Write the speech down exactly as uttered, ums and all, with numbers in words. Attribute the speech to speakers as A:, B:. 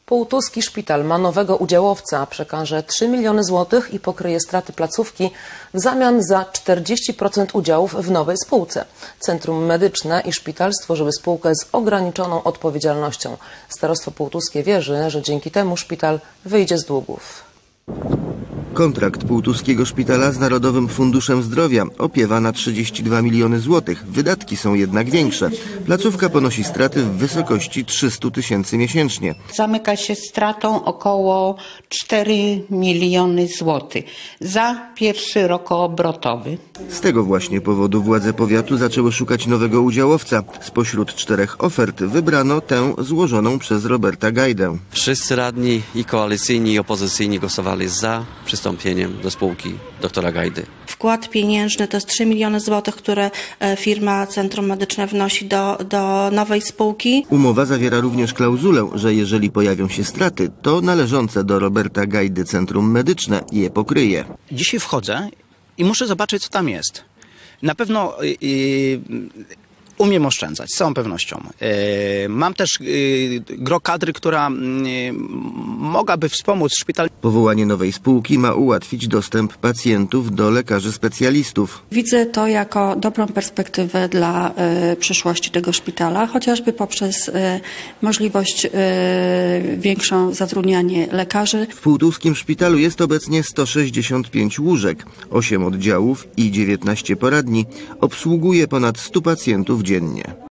A: Półtuski szpital ma nowego udziałowca, przekaże trzy miliony złotych i pokryje straty placówki w zamian za czterdzieści procent udziałów w nowej spółce. Centrum Medyczne i szpital stworzyły spółkę z ograniczoną odpowiedzialnością. Starostwo półtuskie wierzy, że dzięki temu szpital wyjdzie z długów.
B: Kontrakt Półtuskiego Szpitala z Narodowym Funduszem Zdrowia opiewa na trzydzieści dwa miliony złotych. Wydatki są jednak większe. Placówka ponosi straty w wysokości trzysta tysięcy miesięcznie.
C: Zamyka się stratą około cztery miliony złotych za pierwszy rok obrotowy.
B: Z tego właśnie powodu władze powiatu zaczęły szukać nowego udziałowca. Spośród czterech ofert wybrano tę złożoną przez Roberta Gajdę.
D: Wszyscy radni i koalicyjni i opozycyjni głosowali za przystąpieniem do spółki doktora Gajdy.
E: Wkład pieniężny to jest trzy miliony złotych, które firma Centrum Medyczne wnosi do, do nowej spółki.
B: Umowa zawiera również klauzulę, że jeżeli pojawią się straty, to należące do Roberta Gajdy Centrum Medyczne je pokryje.
F: Dzisiaj wchodzę i muszę zobaczyć, co tam jest. Na pewno yy, umiem oszczędzać, z całą pewnością. Yy, mam też yy, gro kadry, która yy, mogłaby wspomóc szpital.
B: Powołanie nowej spółki ma ułatwić dostęp pacjentów do lekarzy specjalistów.
G: Widzę to jako dobrą perspektywę dla y, przyszłości tego szpitala, chociażby poprzez y, możliwość y, większą zatrudnianie lekarzy.
B: W Półtuskim Szpitalu jest obecnie sto sześćdziesiąt pięć łóżek, osiem oddziałów i dziewiętnaście poradni. Obsługuje ponad stu pacjentów dziennie.